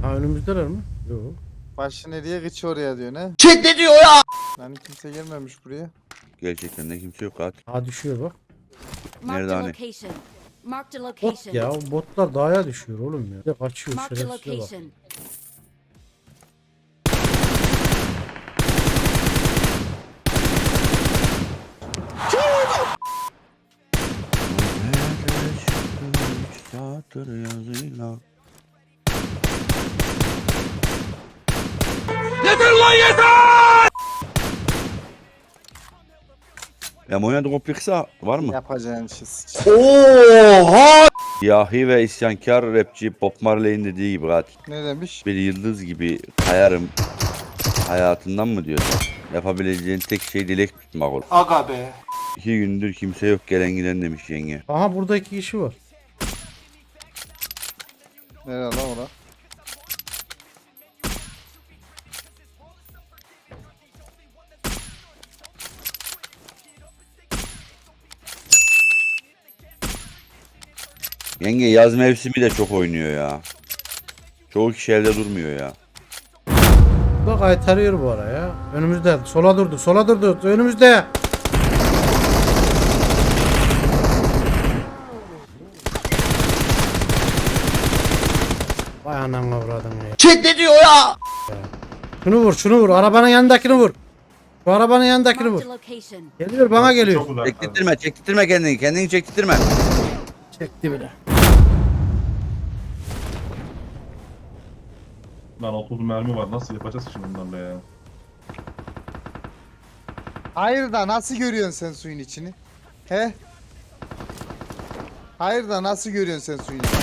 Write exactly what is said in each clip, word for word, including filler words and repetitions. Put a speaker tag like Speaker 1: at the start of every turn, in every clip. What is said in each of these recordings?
Speaker 1: Ha önümüzdeler mi? Yok.
Speaker 2: Başı nereye gıç oraya diyor ne?
Speaker 3: Chat ne diyor ya?
Speaker 2: Yani kimse gelmemiş buraya.
Speaker 4: Gerçekten de kimse yok katil.
Speaker 1: Ha düşüyor bak.
Speaker 5: Marked
Speaker 4: Nerede
Speaker 5: a
Speaker 4: hani?
Speaker 5: location. Marked a
Speaker 1: Bot
Speaker 5: location.
Speaker 1: ya o botlar dağa düşüyor oğlum ya. Bir de kaçıyor
Speaker 5: Marked a
Speaker 1: şerefsize bak.
Speaker 5: location.
Speaker 4: Üç satır yazıyla.
Speaker 3: Yeter lan yeter!
Speaker 4: Ya oynadık o piksa var mı?
Speaker 2: Yapacağın şey sıç.
Speaker 3: Oha!
Speaker 4: Yahi ve isyankar rapçi Bob Marley'in dediği gibi katil.
Speaker 2: Ne demiş?
Speaker 4: Bir yıldız gibi kayarım hayatından mı diyor? Yapabileceğin tek şey dilek tutmak olur.
Speaker 3: Aga be.
Speaker 4: İki gündür kimse yok gelen giden demiş yenge.
Speaker 1: Aha burada iki kişi var.
Speaker 2: Nerede lan ora?
Speaker 4: Yenge yaz mevsimi de çok oynuyor ya. Çoğu kişi evde durmuyor ya.
Speaker 1: Bak kaytarıyor bu ara ya. Önümüzde. Sola durdu. Sola durdu. Önümüzde. Vay anam avradın ya.
Speaker 3: Chat ne diyor ya?
Speaker 1: Şunu vur, şunu vur. Arabanın yanındakini vur. Şu arabanın yanındakini vur.
Speaker 5: Marked a location.
Speaker 1: Geliyor, bana geliyor.
Speaker 6: Çok uzak.
Speaker 4: Çektirtme, çektirtme kendini, kendini çektirtme.
Speaker 1: Çekti bile.
Speaker 6: Lan otuz mermi var. Nasıl yapacağız şimdi bunlarla ya?
Speaker 2: Hayır da nasıl görüyorsun sen suyun içini? He? Hayır da nasıl görüyorsun sen suyun içini?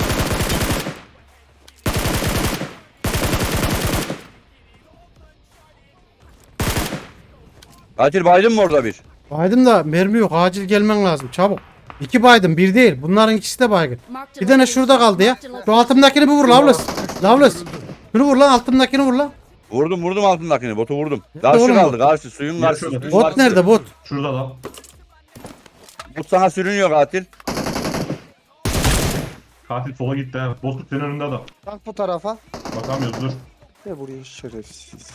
Speaker 4: Katil baydın mı orada bir?
Speaker 1: Baydım da mermi yok. Acil gelmen lazım. Çabuk. İki baydım, bir değil. Bunların ikisi de baygın.
Speaker 5: Marked a
Speaker 1: Bir tane
Speaker 5: location.
Speaker 1: şurada kaldı ya.
Speaker 5: Marked a
Speaker 1: Şu
Speaker 5: location.
Speaker 1: altımdakini bir vur Lavlus. Lavlus. Şunu vur lan, altımdakini vur lan.
Speaker 4: Vurdum vurdum altındakini, botu vurdum.
Speaker 1: Nerede
Speaker 4: Karşı
Speaker 1: oğlum
Speaker 4: kaldı,
Speaker 1: bu?
Speaker 4: karşı suyun
Speaker 6: Ya
Speaker 4: karşısı.
Speaker 6: şöyle,
Speaker 4: suyun
Speaker 1: Bot
Speaker 4: karşısı.
Speaker 1: nerede bot?
Speaker 6: Şurada lan.
Speaker 4: Bot sana sürünüyor katil.
Speaker 6: Katil sola gitti ha. Bozkurt senin önünde adam.
Speaker 2: Bak bu tarafa.
Speaker 6: Bakamıyoruz dur.
Speaker 2: Ve buraya şerefsiz.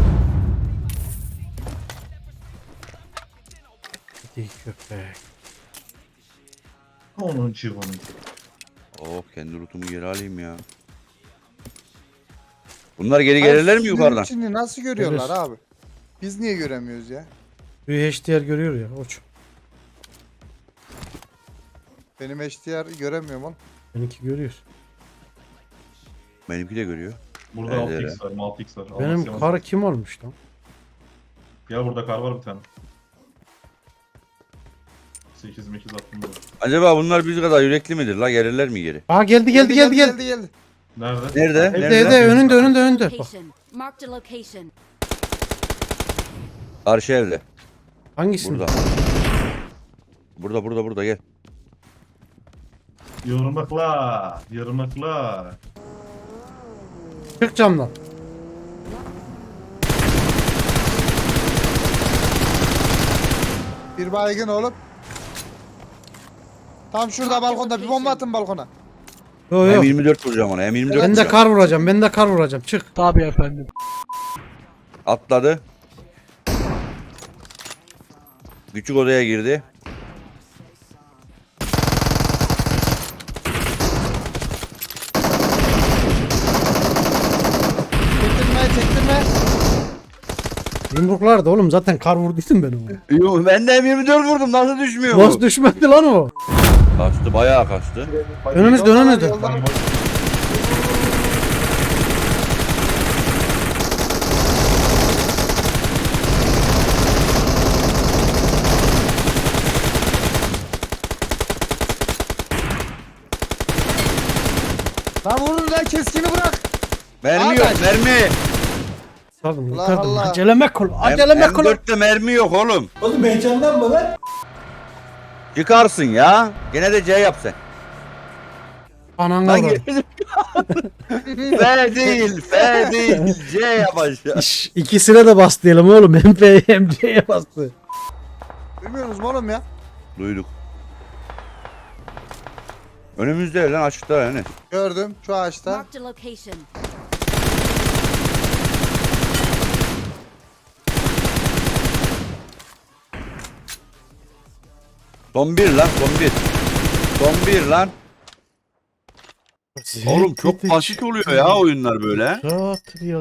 Speaker 1: Hadi köpek.
Speaker 6: Onun çığırmanı.
Speaker 4: Oh kendi rutumu geri alayım ya. Bunlar geri gelirler mi
Speaker 2: Suyun
Speaker 4: yukarıdan?
Speaker 2: içini nasıl görüyorlar
Speaker 1: Gelir.
Speaker 2: abi? Biz niye göremiyoruz ya?
Speaker 1: Bir H D R görüyor ya. Oç.
Speaker 2: Benim H D R göremiyorum oğlum.
Speaker 1: Benimki görüyor.
Speaker 4: Benimki de görüyor.
Speaker 6: Burada
Speaker 4: Evet,
Speaker 6: altı
Speaker 4: evet.
Speaker 6: x var, altı x var.
Speaker 1: Benim
Speaker 6: Almasyon.
Speaker 1: kar kim olmuş lan?
Speaker 6: Gel burada kar var bir tane. sekiz mekiz attım burada.
Speaker 4: Acaba bunlar biz kadar yürekli midir la, gelirler mi geri?
Speaker 1: Aa geldi geldi geldi geldi.
Speaker 2: geldi, geldi.
Speaker 6: Nerede?
Speaker 4: Nerede?
Speaker 1: Evde
Speaker 4: Nerede?
Speaker 1: evde önünde önünde önünde. Bak.
Speaker 5: Location. Marked a location.
Speaker 4: Karşı evde.
Speaker 1: Hangisinde?
Speaker 4: Burada. Burada burada burada gel.
Speaker 6: Yırmakla. Yırmakla.
Speaker 1: Çık camdan.
Speaker 2: Bir baygın oğlum. Tam şurada balkonda bir bomba atın balkona.
Speaker 1: Yo yo.
Speaker 4: M yirmi dört vuracağım ona. M yirmi dört
Speaker 1: Ben de
Speaker 4: vuracağım.
Speaker 1: kar vuracağım. Ben de kar vuracağım. Çık.
Speaker 4: Atladı. Küçük odaya girdi.
Speaker 2: Çektirme çektirme.
Speaker 1: Yumruklardı oğlum, zaten kar vurduydum ben onu.
Speaker 4: Yo, ben de M yirmi dört vurdum. Nasıl düşmüyor
Speaker 1: Nasıl
Speaker 4: bu?
Speaker 1: düşmedi lan o?
Speaker 4: Kaçtı, bayağı kaçtı.
Speaker 1: Önümüzde önümüzde.
Speaker 2: Yolda-
Speaker 6: Lan boş.
Speaker 2: Lan vurun lan, keskini bırak.
Speaker 4: Mermi
Speaker 2: Abi.
Speaker 4: yok, mermi.
Speaker 1: Sardım
Speaker 2: Allah
Speaker 1: yukarıdan.
Speaker 2: Allah.
Speaker 1: Aceleme kul. Aceleme kul.
Speaker 4: M dörtte mermi yok oğlum.
Speaker 3: Oğlum heyecanlanma lan.
Speaker 4: Çıkarsın ya. Gene de C yap sen.
Speaker 1: Ananı
Speaker 4: Lan
Speaker 1: vur.
Speaker 4: geri- F değil, F değil. C yap aşağı.
Speaker 1: İş, ikisine de bas diyelim oğlum. Hem P hem C'ye bastı.
Speaker 2: Duymuyorsunuz mu oğlum ya?
Speaker 4: Duyduk. Önümüzde lan, açıkta yani.
Speaker 2: Gördüm şu ağaçta.
Speaker 5: Marked a location.
Speaker 4: Son bir lan son bir. Son bir lan. Oğlum çok basit oluyor ya oyunlar böyle.
Speaker 1: Rahat ya.